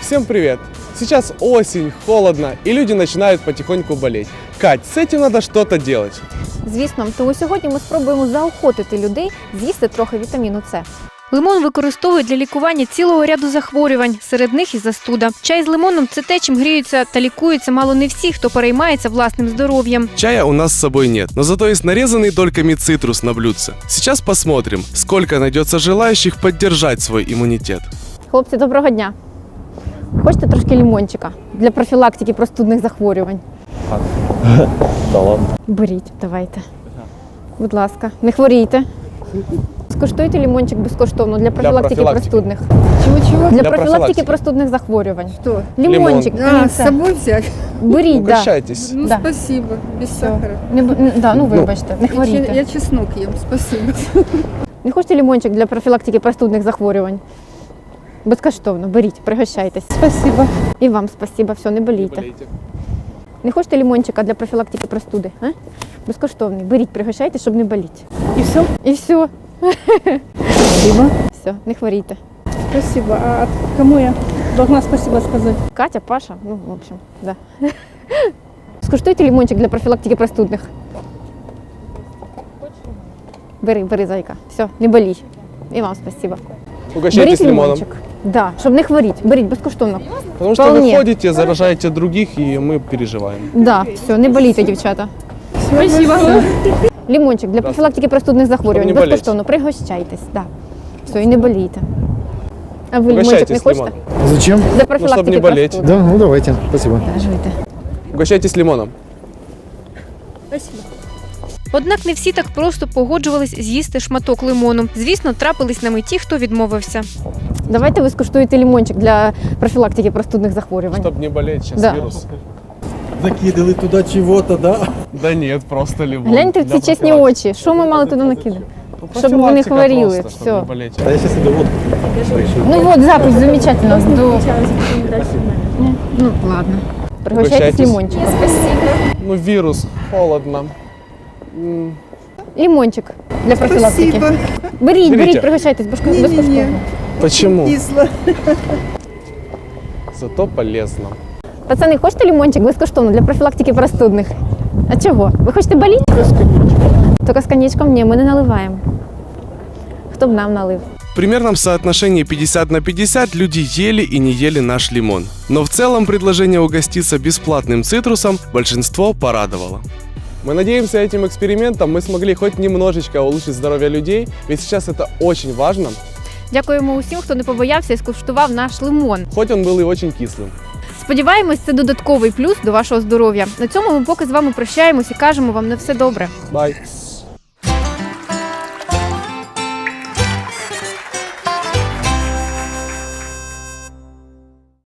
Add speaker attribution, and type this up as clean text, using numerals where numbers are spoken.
Speaker 1: Всем привет! Сейчас осень, холодно, и люди начинают потихоньку болеть. Кать, с этим надо что-то делать.
Speaker 2: Звісно, тому сьогодні ми спробуємо заохотити людей з'їсти трохи вітаміну С.
Speaker 3: Лимон використовують для лікування цілого ряду захворювань, серед них і застуда. Чай з лимоном – це те, чим гріються та лікуються мало не всі, хто переймається власним здоров'ям.
Speaker 1: Чая у нас с собой нет, но зато есть нарезанный дольками цитрус на блюдце. Сейчас посмотрим, сколько найдется желающих поддержать свой иммунитет.
Speaker 2: Хлопці, доброго дня! Хочете трошки лимончика для профілактики простудних захворювань?
Speaker 4: Да ладно.
Speaker 2: Беріть, давайте. Будь ласка, не хворійте. Скуштуйте лимончик безкоштовно для профілактики простудних.
Speaker 5: Чего-чего?
Speaker 2: Для
Speaker 1: Для
Speaker 2: профілактики
Speaker 1: профілактики.
Speaker 2: простудних захворювань.
Speaker 5: Что?
Speaker 2: Лимончик.
Speaker 5: А, с собой взять?
Speaker 2: Беріть, да.
Speaker 1: Угощайтесь.
Speaker 5: Ну,
Speaker 2: Да.
Speaker 5: спасибо, без сахара.
Speaker 2: Ну вибачте, не
Speaker 5: Я
Speaker 2: хворійте.
Speaker 5: чеснок ем, спасибо.
Speaker 2: Не хочете лимончик для профілактики простудних захворювань? Безкоштовно, беріть, пригощайтесь.
Speaker 5: Спасибо.
Speaker 2: І вам спасибо, все, не болійте. Не хочете лимончика для профілактики простуди? А? Безкоштовний. Беріть, пригощайтесь, щоб не боліти.
Speaker 5: И все?
Speaker 2: І все.
Speaker 5: Спасибо.
Speaker 2: Все, не хворійте.
Speaker 5: Спасибо. А кому я должна спасибо сказать?
Speaker 2: Катя, Паша, ну, в общем, да. Скуштуйте лимончик для профілактики простудних. Бери, зайка. Все, не болій. І вам спасибо.
Speaker 1: Угощайтесь лимоном.
Speaker 2: лимончик. Да, щоб не хворіти. Беріть безкоштовно.
Speaker 1: Потому что вы
Speaker 2: Вполне.
Speaker 1: ходите, заражаете других, и мы переживаем.
Speaker 2: Да, все, не болійте, дівчата.
Speaker 5: Спасибо.
Speaker 2: Лимончик для профілактики простудних захворювань.
Speaker 1: Щоб не болеть.
Speaker 2: Безкоштовно. Пригощайтесь. Да. Все, і не болійте. А ви лимончик не
Speaker 1: Угощайтесь
Speaker 2: хочете?
Speaker 1: лимоном.
Speaker 4: Зачем?
Speaker 2: Для профілактики
Speaker 1: не болеть.
Speaker 2: простуди.
Speaker 4: Да, ну давайте, спасибо.
Speaker 2: Да, жуйте.
Speaker 1: Угощайтесь лимоном.
Speaker 5: Спасибо.
Speaker 3: Однак не всі так просто погоджувались з'їсти шматок лимону. Звісно, трапились нами ті, хто відмовився.
Speaker 2: Давайте ви скуштуєте лимончик для профілактики простудних захворювань.
Speaker 1: Чтобы не болеть, сейчас
Speaker 2: Да.
Speaker 1: вирус.
Speaker 6: Закидали туда чего-то, да?
Speaker 1: Да нет, просто лимон.
Speaker 2: Гляньте в
Speaker 1: Для
Speaker 2: ці чесні
Speaker 1: профилактики.
Speaker 2: очі. Що ми мали туди накидати?
Speaker 1: Ну,
Speaker 2: Щоб ви не
Speaker 1: профилактика
Speaker 2: хворіли.
Speaker 1: просто,
Speaker 2: Все.
Speaker 1: чтобы не болеть.
Speaker 6: Да я сейчас иду водку.
Speaker 2: Ну вот, запись замечательно. Ну, ладно. Пригощайтесь
Speaker 1: Угощайтесь.
Speaker 2: лимончиком.
Speaker 1: Ну, вирус, холодно.
Speaker 2: Лимончик для профілактики.
Speaker 5: Спасибо.
Speaker 2: Беріть,
Speaker 1: Беріть.
Speaker 2: пригощайтесь
Speaker 5: Не-не-не.
Speaker 2: безкоштовно.
Speaker 1: Почему?
Speaker 5: Кисло.
Speaker 1: Зато полезно.
Speaker 2: Пацани, хочете лимончик безкоштовно для профілактики простудних? А чого? Ви хочете боліти? Тільки з коньячком ні, ми не наливаємо. Хто б нам налив?
Speaker 1: В примерном соотношении 50 на 50 люди ели и не ели наш лимон. Но в целом предложение угоститься бесплатным цитрусом большинство порадовало. Мы надеемся, этим экспериментом мы смогли хоть немножечко улучшить здоровье людей, ведь сейчас это очень важно,
Speaker 3: Дякуємо усім, хто не побоявся і скуштував наш лимон.
Speaker 1: хоть он был и очень кислым.
Speaker 3: Сподіваємось, це додатковий плюс до вашого здоров'я. На цьому ми поки з вами прощаємось і кажемо вам на все добре.
Speaker 1: Bye.